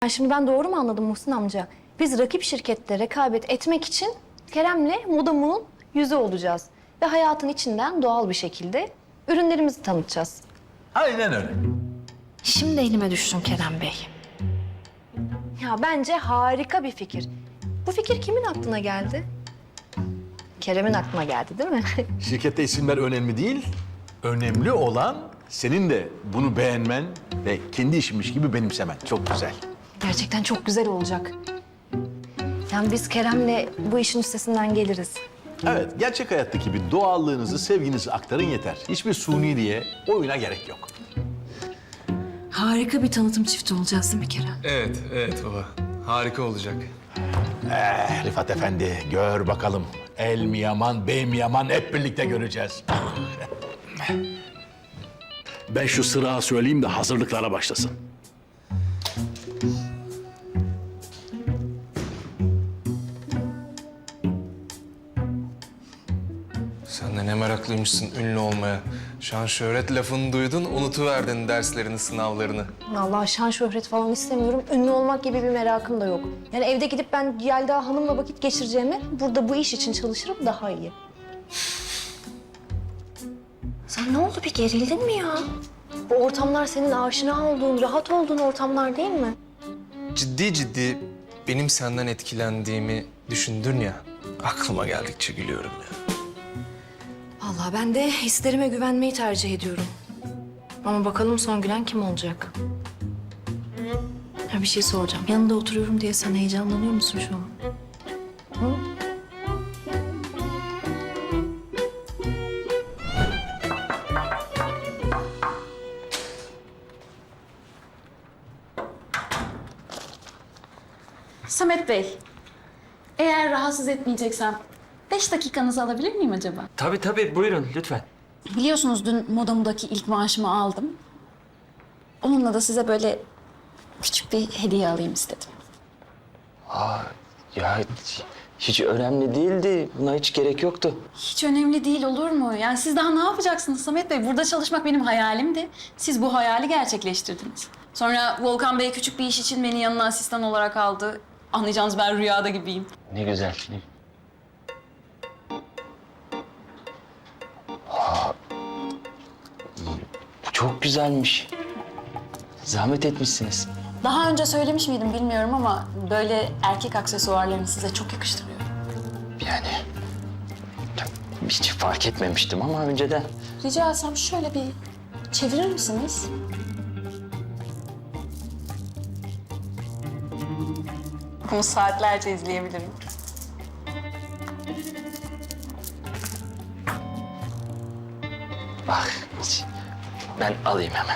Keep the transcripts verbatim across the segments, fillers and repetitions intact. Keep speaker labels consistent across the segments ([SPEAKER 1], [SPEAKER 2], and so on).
[SPEAKER 1] Yani şimdi ben doğru mu anladım Muhsin amca? Biz rakip şirkette rekabet etmek için Kerem'le Modamu'nun yüzü olacağız. Ve hayatın içinden doğal bir şekilde ürünlerimizi tanıtacağız.
[SPEAKER 2] Aynen öyle.
[SPEAKER 1] Şimdi elime düştün Kerem Bey. Ya bence harika bir fikir. Bu fikir kimin aklına geldi? Kerem'in aklına geldi değil mi?
[SPEAKER 2] Şirkette isimler önemli değil. Önemli olan senin de bunu beğenmen ve kendi işinmiş gibi benimsemen. Çok güzel.
[SPEAKER 1] Gerçekten çok güzel olacak. Yani biz Kerem'le bu işin üstesinden geliriz.
[SPEAKER 2] Evet, gerçek hayattaki bir doğallığınızı, sevginizi aktarın yeter. Hiçbir suni diye oyuna gerek yok.
[SPEAKER 1] Harika bir tanıtım çifti olacağız değil mi Kerem?
[SPEAKER 3] Evet, evet baba. Harika olacak.
[SPEAKER 2] Eh, Rifat Efendi, gör bakalım. El mi yaman, bey mi yaman hep birlikte göreceğiz.
[SPEAKER 4] Ben şu sırağı söyleyeyim de hazırlıklara başlasın.
[SPEAKER 3] Sen de ne meraklıymışsın ünlü olmaya. Şan şöhret lafını duydun, unutuverdin derslerini, sınavlarını.
[SPEAKER 1] Allah şan şöhret falan istemiyorum. Ünlü olmak gibi bir merakım da yok. Yani evde gidip ben Yelda Hanım'la vakit geçireceğime burada bu iş için çalışırım daha iyi. Sen ne oldu, bir gerildin mi ya? Bu ortamlar senin aşina olduğun, rahat olduğun ortamlar değil mi?
[SPEAKER 3] Ciddi ciddi benim senden etkilendiğimi düşündün ya. Aklıma geldikçe gülüyorum ya.
[SPEAKER 1] Vallahi ben de hislerime güvenmeyi tercih ediyorum. Ama bakalım son gülen kim olacak? Ya bir şey soracağım. Yanında oturuyorum diye sen heyecanlanıyor musun şu an? Hı?
[SPEAKER 5] Samet Bey, eğer rahatsız etmeyeceksem beş dakikanızı alabilir miyim acaba?
[SPEAKER 6] Tabii tabii buyurun lütfen.
[SPEAKER 5] Biliyorsunuz dün Modam'daki ilk maaşımı aldım. Onunla da size böyle küçük bir hediye alayım istedim.
[SPEAKER 6] Ya hiç, hiç önemli değildi. Buna hiç gerek yoktu.
[SPEAKER 5] Hiç önemli değil, olur mu? Yani siz daha ne yapacaksınız Samet Bey? Burada çalışmak benim hayalimdi. Siz bu hayali gerçekleştirdiniz. Sonra Volkan Bey küçük bir iş için beni yanına asistan olarak aldı. Anlayacağınız ben rüyada gibiyim.
[SPEAKER 6] Ne güzel. Ne... Aa, bu çok güzelmiş. Zahmet etmişsiniz.
[SPEAKER 5] Daha önce söylemiş miydim bilmiyorum ama böyle erkek aksesuarlarını size çok yakıştırıyor.
[SPEAKER 6] Yani hiç fark etmemiştim ama önceden.
[SPEAKER 5] Rica etsem şöyle bir çevirir misiniz? Bunu saatlerce izleyebilirim.
[SPEAKER 6] Bak hiç- ben alayım hemen.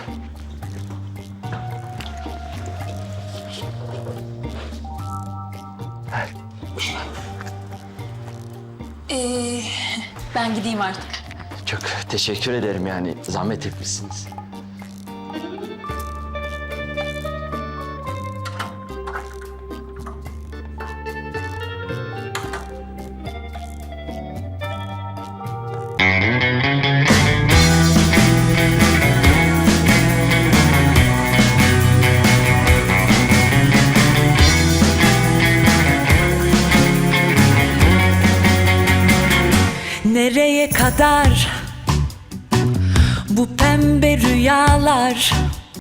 [SPEAKER 5] Ee, ben gideyim artık.
[SPEAKER 6] Çok teşekkür ederim yani zahmet etmişsiniz.
[SPEAKER 7] Nereye kadar bu pembe rüyalar?